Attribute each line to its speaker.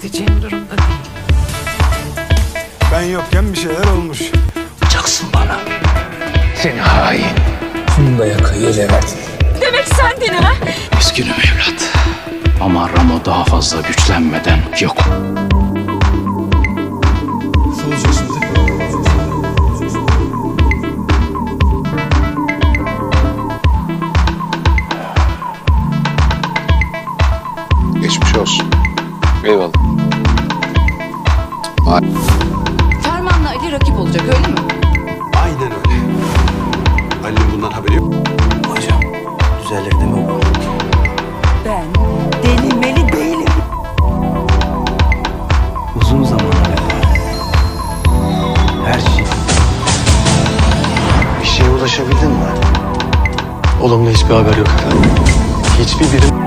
Speaker 1: edeceğim durumda değil.
Speaker 2: Ben yokken bir şeyler olmuş.
Speaker 3: Yapacaksın bana. Seni hain. Funda'ya kıyı Levent.
Speaker 4: Demek sendin ha?
Speaker 3: Üzgünüm evlat. Ama Ramo daha fazla güçlenmeden yok.
Speaker 2: Nasıl olacak şimdi?
Speaker 5: Geçmiş olsun. Eyvallah.
Speaker 4: Ferman'la Ali rakip olacak öyle mi?
Speaker 2: Aynen öyle. Ali'nin bundan haberi yok.
Speaker 6: Hocam, düzelir değil mi bu?
Speaker 4: Ben denemeli değilim.
Speaker 6: Uzun zamana kadar her şey...
Speaker 5: Bir şeye ulaşabildin mi? Olumlu hiçbir haber yok efendim. Hiçbir birim